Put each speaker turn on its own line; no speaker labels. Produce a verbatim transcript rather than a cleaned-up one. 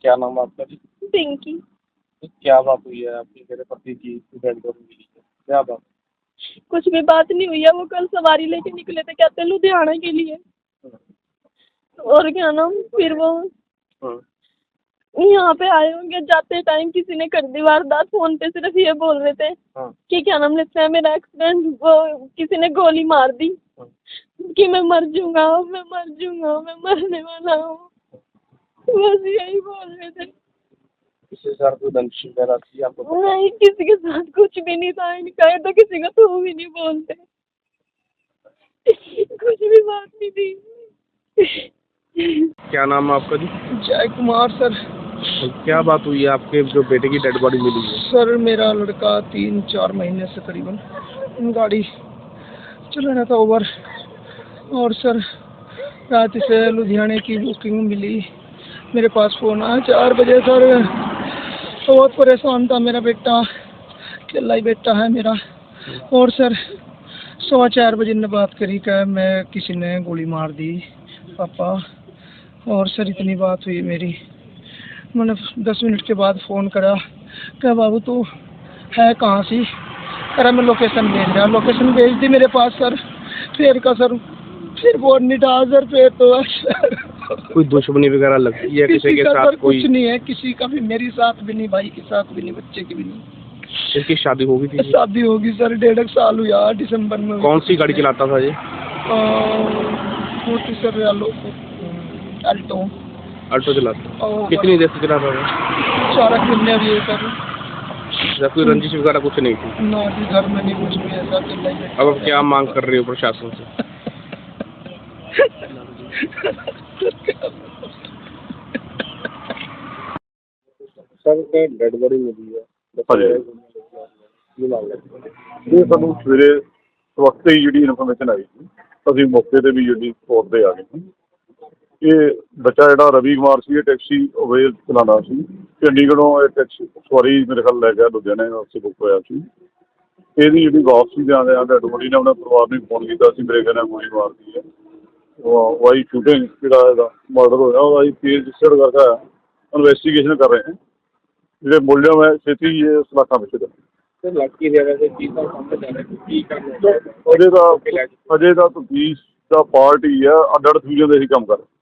क्या नाम है आपका जी?
पिंकी।
तो क्या बात हुई है आपकी मेरे पति की डेड बॉडी मिली है, क्या बात?
कुछ भी बात नहीं हुई है, वो कल सवारी लेके निकले थे, कहते हैं लुधियाना के लिए। और क्या नाम, फिर वो यहाँ पे आए होंगे, जाते टाइम किसी ने कर दी वारदात। फोन पे सिर्फ ये बोल रहे थे कि क्या नाम लेते हैं, मेरा एक्सीडेंट, वो किसी ने गोली मार दी कि मैं मर जाऊंगा, मैं मर जाऊंगा, मैं मरने वाला हूँ, बस यही बोल रहे थे।
किसी के साथ कोई दंश वगैरह थी आपको?
नहीं, किसी के साथ कुछ भी नहीं था इनका, ये तो किसी का तो भी नहीं बोलते, कुछ भी बात नहीं थी।
क्या नाम है आपका जी?
जय कुमार सर।
तो क्या बात हुई है आपके जो बेटे की डेड बॉडी मिली है?
सर मेरा लड़का तीन चार महीने से करीबन गाड़ी चला रहा था ओवर, और सर रात से लुधियाने की बुकिंग मिली, मेरे पास फ़ोन आया चार बजे। सर बहुत परेशान था मेरा बेटा, अकेला ही बेटा है मेरा। और सर सवा चार बजे ने बात करी कि मैं किसी ने गोली मार दी पापा। और सर इतनी बात हुई मेरी, मैंने दस मिनट के बाद फ़ोन करा, क्या बाबू तू है कहाँ सी? अरे मैं लोकेशन भेज रहा, लोकेशन भेज दी मेरे पास सर। फिर का सर फिर फोन नहीं था सर, फिर तो सर
कोई दुश्मनी वगैरह लगती है किसी,
किसी
के
का
साथ?
सर
कोई
कुछ नहीं है, किसी का भी, मेरी साथ भी नहीं, भाई के साथ भी नहीं, बच्चे की भी नहीं।
इनकी शादी हो गई थी?
शादी होगी सर, डेढ़ एक साल हुआ दिसंबर में।
कौन सी गाड़ी चलाता था ये?
स्कूटी सर, अल्टो
अल्टो चलाता। कितनी देर से चलाता था?
चार महीने भी है सर।
जब कोई रंजिश वगैरह कुछ नहीं थी?
ना जी, घर में नहीं कुछ भी ऐसा।
अब आप क्या मांग कर रहे हो प्रशासन से? सर डेड बॉडी मिली है,
ਇਹ ਸਾਨੂੰ ਸਵੇਰੇ ਵਕਤ ਹੀ ਜਿਹੜੀ ਇਨਫੋਰਮੇਸ਼ਨ ਆਈ ਸੀ, ਅਸੀਂ ਮੌਕੇ ਤੇ ਵੀ ਜਿਹੜੀ ਸਪੋਟ ਤੇ ਆ ਗਏ ਸੀ। ਇਹ ਬੱਚਾ ਜਿਹੜਾ ਰਵੀ ਕੁਮਾਰ ਸੀ, ਇਹ ਟੈਕਸੀ ਅਵੇਲ ਚਲਾਉਂਦਾ ਸੀ, ਚੰਡੀਗੜ੍ਹੋਂ ਇਹ ਟੈਕਸੀ ਸਵਾਰੀ ਮੇਰੇ ਖਿਆਲ ਲੈ ਗਿਆ ਲੁਧਿਆਣੇ ਵਾਸਤੇ ਬੁੱਕ ਹੋਇਆ ਸੀ। ਇਹਦੀ ਜਿਹੜੀ ਵਾਪਸੀ ਦੇ ਆਉਂਦੇ ਆ ਡੈਡ ਬੋਡੀ ਨੇ ਆਪਣੇ ਪਰਿਵਾਰ ਨੂੰ ਫੋਨ ਕੀਤਾ ਸੀ, ਮੇਰੇ ਕਹਿੰਦੇ ਗੋਲੀ ਮਾਰਦੀ ਹੈ, ਵਾਈ ਸ਼ੂਟਿੰਗ ਜਿਹੜਾ ਇਹਦਾ ਮਰਡਰ ਹੋਇਆ ਉਹਦਾ ਅਸੀਂ ਕੇਸ ਰਜਿਸਟਰਡ ਕਰਕੇ ਇਨਵੈਸਟੀਗੇਸ਼ਨ ਕਰ ਰਹੇ ਹਾਂ। ਜਿਹੜੇ ਮੁਲਜ਼ਮ ਹੈ ਛੇਤੀ ਇਹ ਸਲਾਖਾਂ ਵਿੱਚ ਦੇ
ਲੜਕੀ ਦੇ ਵੈਸੇ ਕੀ ਤਾਂ ਸਾਹਮਣੇ ਜਾ ਰਿਹਾ ਕੀ ਕਰਨਾ
ਅਜੇ ਤਾਂ ਅਜੇ ਤਾਂ ਤਫਤੀਸ਼ ਦਾ ਪਾਰਟ ਹੀ ਆ, ਅੱਡ ਅੱਡ ਫਿਊਜ਼ਨ ਦੇ ਹੀ ਕੰਮ ਕਰ